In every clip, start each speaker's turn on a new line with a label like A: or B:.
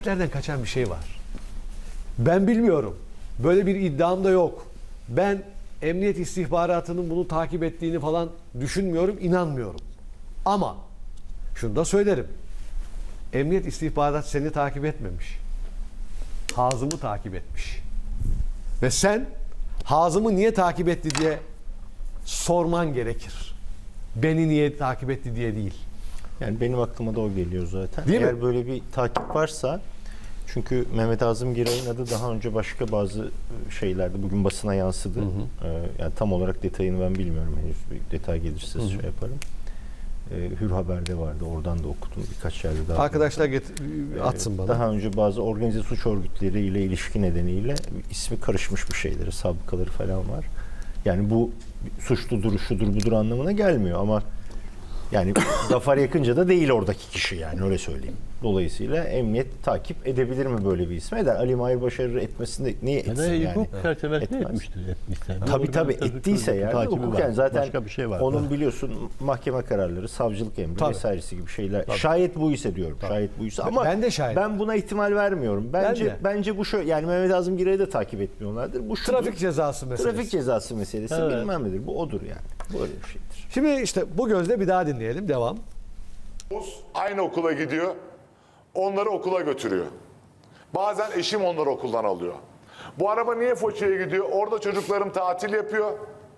A: Nereden kaçan bir şey var. Ben bilmiyorum. Böyle bir iddiam da yok. Ben emniyet istihbaratının bunu takip ettiğini falan düşünmüyorum, inanmıyorum. Ama şunu da söylerim. Emniyet istihbarat seni takip etmemiş. Hazım'ı takip etmiş. Ve sen Hazım'ı niye takip etti diye sorman gerekir. Beni niye takip etti diye değil.
B: Yani benim aklıma da o geliyor zaten.
A: Değil
B: Eğer
A: mi?
B: böyle bir takip varsa, çünkü Mehmet Hazım Giray'ın adı daha önce başka bazı şeylerde bugün basına yansıdı. Yani tam olarak detayını ben bilmiyorum henüz. Bir detay gelirse şey yaparım. Hür Haber'de vardı. Oradan da okudum birkaç yerde daha.
A: Arkadaşlar atsın bana.
B: Daha önce bazı organize suç örgütleriyle ilişki nedeniyle ismi karışmış bir şeyleri, sabıkaları falan var. Yani bu suçludur, şudur, budur anlamına gelmiyor ama yani Zafer Yakınca da değil oradaki kişi, yani öyle söyleyeyim. Dolayısıyla emniyet takip edebilir mi böyle bir ismi? Eder. Ali Mahir Başarır etmesinde niye etsin yani?
C: Hukuk çerçevesinde
B: Etmez.
C: etmiştir.
B: Tabii ettiyse yani
C: takibi
B: hukuken
C: var.
B: zaten
C: Başka bir şey var.
B: onun biliyorsun mahkeme kararları, savcılık emri
A: Tabii.
B: vesairesi gibi şeyler. Şayet bu ise diyorum. Şayet bu ise ama
A: Ben de şayet.
B: ben buna ihtimal vermiyorum.
A: de.
B: Bence bu şöyle, yani Mehmet Azım Giray'ı da takip etmiyorlardır. Bu şudur.
A: Trafik cezası meselesi.
B: Trafik cezası meselesi bilmem nedir. Bu odur yani. Böyle bir şeydir.
A: Şimdi işte bu gözle bir daha dinleyelim. Devam.
D: Aynı okula gidiyor. Onları okula götürüyor. Bazen eşim onları okuldan alıyor. Bu araba niye Foça'ya gidiyor? Orada çocuklarım tatil yapıyor.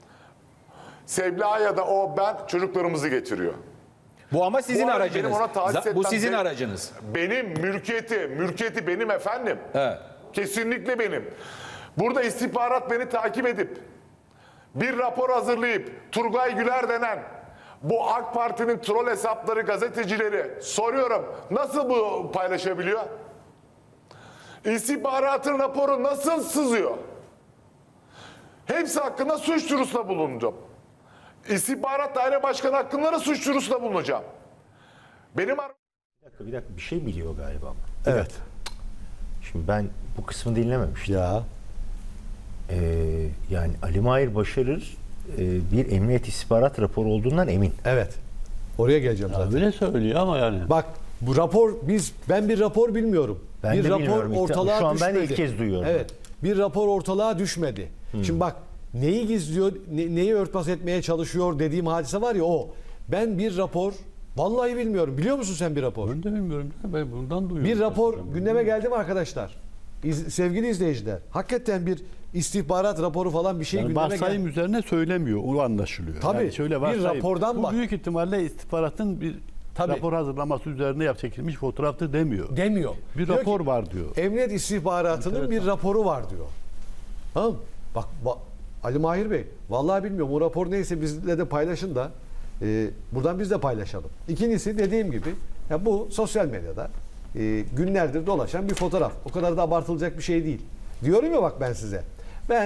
D: Sebla ya da ben çocuklarımızı getiriyor.
E: Bu ama sizin
D: Bu arada
E: aracınız.
D: benim ona tahsis
E: Bu
D: etmem
E: sizin
D: gerek-
E: aracınız.
D: Benim mülkiyeti benim efendim.
E: Evet.
D: Kesinlikle benim. Burada istihbarat beni takip edip bir rapor hazırlayıp Turgay Güler denen bu AK Parti'nin troll hesapları, gazetecileri soruyorum, nasıl bu paylaşabiliyor? İstihbaratın raporu nasıl sızıyor? Hepsi hakkında suç duyurusunda bulundum. İstihbarat Daire Başkanı hakkında da suç duyurusunda bulunacağım. Benim
B: Bir dakika bir şey biliyor galiba ama.
A: Evet.
B: Şimdi ben bu kısmı dinlememiştim.
A: Ya.
B: Yani Ali Mahir Başarır bir emniyet istihbarat raporu olduğundan emin.
A: Evet. Oraya geleceğim zaten.
C: Öyle söylüyor ama yani.
A: Bak bu rapor ben bir rapor bilmiyorum.
B: Ben
A: bir
B: de
A: rapor
B: bilmiyorum.
A: ortalığa
B: Şu an ben
A: düşmedi.
B: ilk kez duyuyorum.
A: Evet. Bir rapor ortalığa düşmedi. Şimdi bak neyi gizliyor, neyi örtbas etmeye çalışıyor dediğim hadise var ya o. Ben bir rapor vallahi bilmiyorum. Biliyor musun sen bir rapor?
C: Ben de bilmiyorum. Ben bundan duyuyorum.
A: Bir rapor gündeme geldi mi arkadaşlar? Sevgili izleyiciler. Hakikaten bir istihbarat raporu falan bir şey
C: Yani
A: gündeme geldi.
C: varsayım üzerine söylemiyor. O anlaşılıyor.
A: Tabii.
C: Yani şöyle
A: Bir
C: varsayım.
A: rapordan
C: Bu
A: bak.
C: büyük ihtimalle istihbaratın bir
A: Tabii.
C: rapor hazırlaması üzerine çekilmiş fotoğraftır demiyor.
A: Demiyor.
C: Bir
A: Diyor
C: rapor
A: ki,
C: var diyor.
A: Emniyet istihbaratının bir raporu var diyor. Tamam mı? Bak Ali Mahir Bey, vallahi bilmiyorum o rapor neyse bizle de paylaşın da buradan biz de paylaşalım. İkincisi dediğim gibi ya bu sosyal medyada günlerdir dolaşan bir fotoğraf. O kadar da abartılacak bir şey değil. Diyorum ya bak ben size. Ben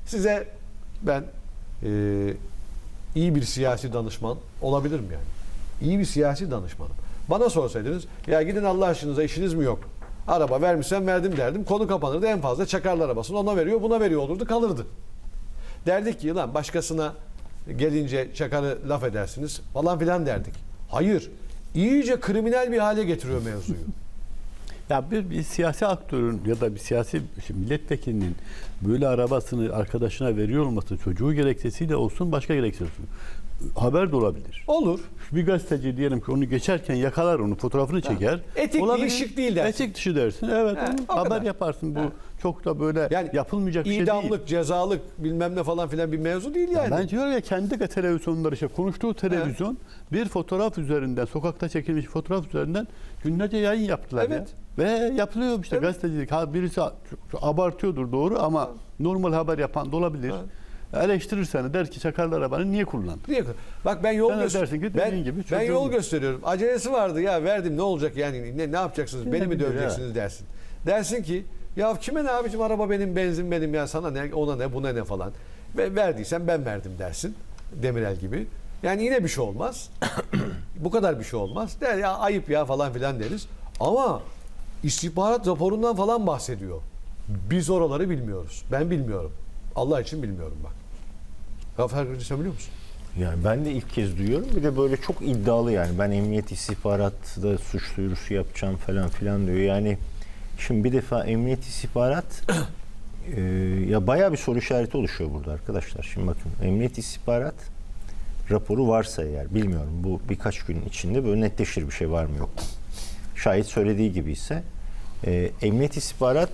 A: iyi bir siyasi danışman olabilirim yani. İyi bir siyasi danışmanım. Bana sorsaydınız ya gidin Allah aşkınıza işiniz mi yok? Araba vermişsem verdim derdim. Konu kapanırdı. En fazla çakarlar arabasını. Ona veriyor buna veriyor olurdu kalırdı. Derdik ki lan başkasına gelince çakarı laf edersiniz falan filan derdik. Hayır. İyice kriminal bir hale getiriyor mevzuyu.
C: Ya bir siyasi aktörün ya da bir siyasi milletvekilinin böyle arabasını arkadaşına veriyor olması çocuğu gerekçesiyle olsun başka gerekçesiyle olsun. Haber de olabilir.
A: Olur.
C: Bir gazeteci diyelim ki onu geçerken yakalar onu fotoğrafını çeker.
A: Etik
C: Olabilir.
A: değil, şık değil dersin.
C: Etik dışı dersin. Evet.
A: He,
C: onu
A: o
C: haber
A: kadar.
C: yaparsın. Bu çok da böyle
A: Yani
C: yapılmayacak bir şey değil.
A: idamlık, cezalık bilmem ne falan filan bir mevzu değil yani.
C: Ben diyorum ya kendi televizyonları işte konuştuğu televizyon bir fotoğraf üzerinden sokakta çekilmiş fotoğraf üzerinden günlerce yayın yaptılar
A: Evet.
C: ya. Ve yapılıyor işte gazetecilik. Birisi abartıyordur doğru ama normal haber yapan da olabilir. Eleştirirsen der ki çakarlı arabanı niye kullandın?
A: Bak ben yol
C: Sen de dersin ki dediğin gibi
A: ben
C: çocuğum.
A: yol gösteriyorum. Acelesi vardı ya verdim ne olacak yani ne yapacaksınız? Beni mi
C: bilir
A: döveceksiniz dersin. Dersin ki ya kime ne abicim araba benim benzin benim ya sana ne ona ne buna ne falan. Ve verdiysen ben verdim dersin. Demirel gibi. Yani yine bir şey olmaz. Bu kadar bir şey olmaz. Der ya ayıp ya falan filan deriz. Ama istihbarat raporundan falan bahsediyor. Biz oraları bilmiyoruz. Ben bilmiyorum. Allah için bilmiyorum bak. Zafer Kılıcı sen biliyor musun?
B: Yani ben de ilk kez duyuyorum. Bir de böyle çok iddialı yani. Ben emniyet istihbaratta suç duyurusu yapacağım falan filan diyor. Yani Şimdi bir defa emniyet istihbarat ya bayağı bir soru işareti oluşuyor burada arkadaşlar. Şimdi bakın, emniyet istihbarat raporu varsa eğer, bilmiyorum, bu birkaç gün içinde böyle netleşir bir şey var mı yok mu. Şayet söylediği gibi ise emniyet istihbarat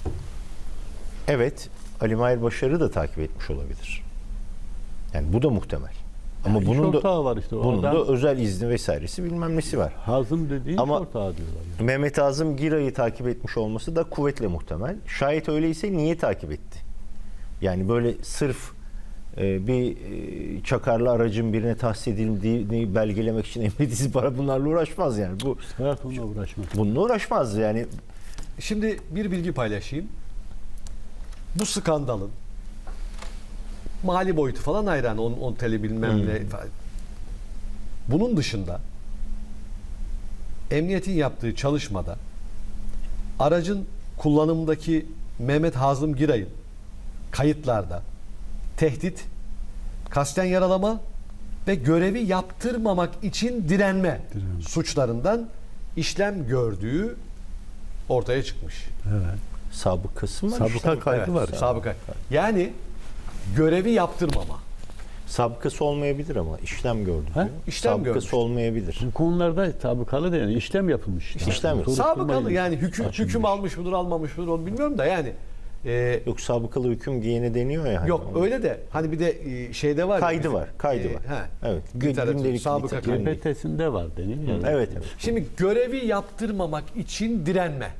B: evet Ali Mahir Başar'ı da takip etmiş olabilir. Yani bu da muhtemel. Ama
C: İş
B: bunun da
C: ortağı var işte.
B: bunun
C: Oradan
B: da özel izni vesairesi bilmem nesi var.
C: Hazım dediğin
B: Ama-
C: iş ortağı diyorlar. Yani.
B: Mehmet Azım Giray'ı takip etmiş olması da kuvvetle muhtemel. Şayet öyleyse niye takip etti? Yani böyle sırf bir çakarlı aracın birine tahsis edildiğini belgelemek için emniyet istihbarat bunlarla uğraşmaz yani. Bu
C: İstihbarat onunla uğraşmaz.
B: bununla uğraşmaz yani.
A: Şimdi bir bilgi paylaşayım. Bu skandalın mali boyutu falan ayrı. Yani 10 TL bilmem ne falan. Bunun dışında emniyetin yaptığı çalışmada aracın kullanımındaki Mehmet Hazım Giray'ın kayıtlarda tehdit, kasten yaralama ve görevi yaptırmamak için direnme suçlarından işlem gördüğü ortaya çıkmış.
C: Evet.
B: Sabıkası mı?
C: Sabıka kaydı
A: Evet,
C: var.
A: sabıka. Yani görevi yaptırmama.
B: Sabıkası olmayabilir ama işlem gördü diyor.
A: İşlem
B: Sabıkası
A: görmüş.
B: olmayabilir.
C: Bu konularda sabıkalı da yani işlem yapılmış.
B: İşlem yok.
C: Soruşturma
A: Sabıkalı yani
C: açılmış.
A: hüküm almış mıdır almamış mıdır onu bilmiyorum da yani
B: Yok, sabıkalı hüküm giyene deniyor ya. hani
A: yok
B: onu.
A: öyle de hani bir de şeyde var ya,
B: Kaydı
A: bizim,
B: var, kaydı var.
A: Evet.
B: Gündelik
A: Gündelik sabıka
B: literatür.
A: kaydı.
C: GPT'sinde var deniyor. Yani.
B: Evet, evet.
A: Şimdi görevi yaptırmamak için direnme.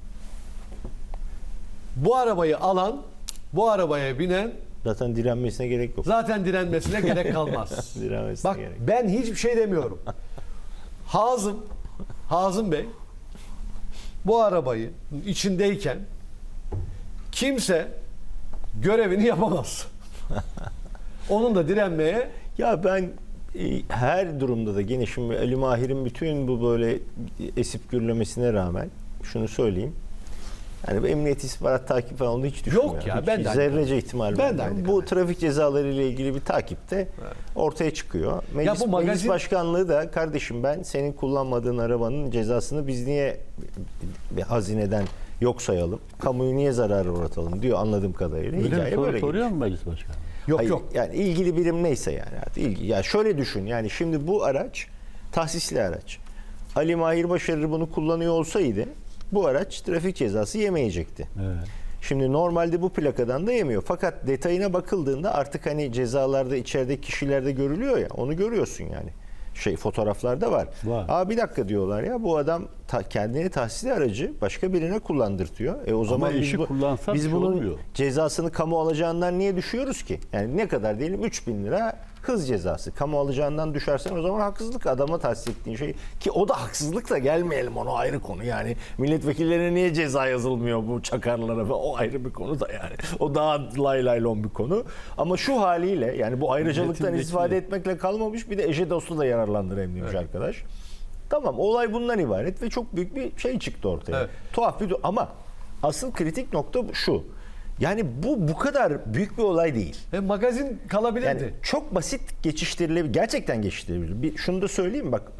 A: Bu arabayı alan, bu arabaya binen
B: Zaten direnmesine gerek yok.
A: zaten direnmesine gerek kalmaz.
B: Direnmesine
A: Bak
B: gerek yok.
A: ben hiçbir şey demiyorum. Hazım Bey bu arabayı içindeyken kimse görevini yapamaz. Onun da direnmeye
B: Ya ben her durumda da gene şimdi Ali Mahir'in bütün bu böyle esip gürlemesine rağmen şunu söyleyeyim. Yani bu emniyet istihbarat takip falan onu hiç düşünmüyorum.
A: Yok ya,
B: Hiç
A: ben de aynı
B: zerrece ihtimal
A: Ben de
B: vermiyorum.
A: aynı
B: Bu
A: kanaatim.
B: trafik cezaları ile ilgili bir takipte ortaya çıkıyor. Meclis,
A: bu magazin-
B: meclis başkanlığı da kardeşim ben senin kullanmadığın arabanın cezasını biz niye bir hazineden yok sayalım? Kamuyu niye zarara uğratalım diyor anladığım kadarıyla.
C: Öyle
B: Hikaye
C: bir soru
B: böyle
C: soruyor mu meclis başkanı?
A: yok
B: Hayır,
A: yok.
B: yani ilgili birim neyse yani artık ya şöyle düşün yani şimdi bu araç tahsisli araç. Ali Mahir Başarır bunu kullanıyor olsaydı bu araç trafik cezası yemeyecekti.
C: Evet.
B: Şimdi normalde bu plakadan da yemiyor. Fakat detayına bakıldığında artık hani cezalarda içerideki kişilerde görülüyor ya onu görüyorsun yani. Fotoğraflarda var.
C: Var.
B: Bir dakika diyorlar ya bu adam kendini tahsisli aracı başka birine kullandırtıyor. O zaman
C: eşi kullansa bir
B: biz
C: şey
B: bunun
C: olmuyor.
B: cezasını kamu alacağından niye düşüyoruz ki? Yani ne kadar diyelim 3.000 lira hız cezası. Kamu alacağından düşersen o zaman haksızlık adama tahsis ettiğin şey. Ki o da haksızlık da gelmeyelim onu ayrı konu. Yani milletvekillerine niye ceza yazılmıyor bu çakarlara falan o ayrı bir konu da yani. O daha lay lay lon bir konu. Ama şu haliyle yani bu ayrıcalıktan
C: Milletvekili.
B: istifade etmekle kalmamış bir de eşe dostu da yararlandıran demiş arkadaş. Tamam olay bundan ibaret ve çok büyük bir şey çıktı ortaya.
A: Evet.
B: Tuhaf bir ama asıl kritik nokta şu. Yani bu kadar büyük bir olay değil.
A: Magazin kalabilirdi.
B: Yani çok basit geçiştirilebilir. Gerçekten geçiştirilebilir. Şunu da söyleyeyim bak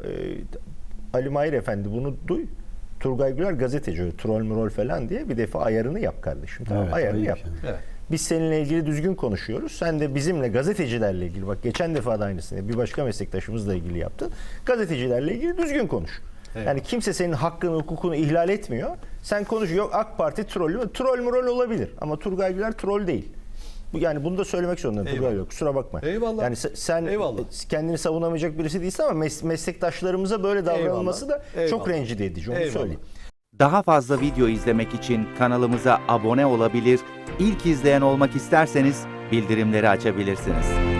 B: Ali Mahir Efendi bunu duy. Turgay Güler gazeteci öyle troll mürol falan diye bir defa ayarını yap kardeşim. Tamam,
C: Evet,
B: ayarını
C: ayıp
B: yap.
C: yani.
A: Evet.
B: Biz seninle ilgili düzgün konuşuyoruz. Sen de bizimle gazetecilerle ilgili bak geçen defa da aynısını bir başka meslektaşımızla ilgili yaptın. Gazetecilerle ilgili düzgün konuş.
A: Evet.
B: Yani kimse senin hakkını, hukukunu ihlal etmiyor. Sen konuş. Yok AK Parti trollü mü? Troll mürol olabilir. Ama Turgay Güler troll değil. Yani bunu da söylemek zorundayım.
A: Eyvallah.
B: Turgay yok. Kusura bakma.
A: Eyvallah.
B: Yani sen
A: Eyvallah.
B: kendini savunamayacak birisi değilsin ama meslektaşlarımıza böyle davranılması da
A: Eyvallah.
B: çok rencide edici. Onu
A: Eyvallah.
B: söyleyeyim.
E: Daha fazla video izlemek için kanalımıza abone olabilir, ilk izleyen olmak isterseniz bildirimleri açabilirsiniz.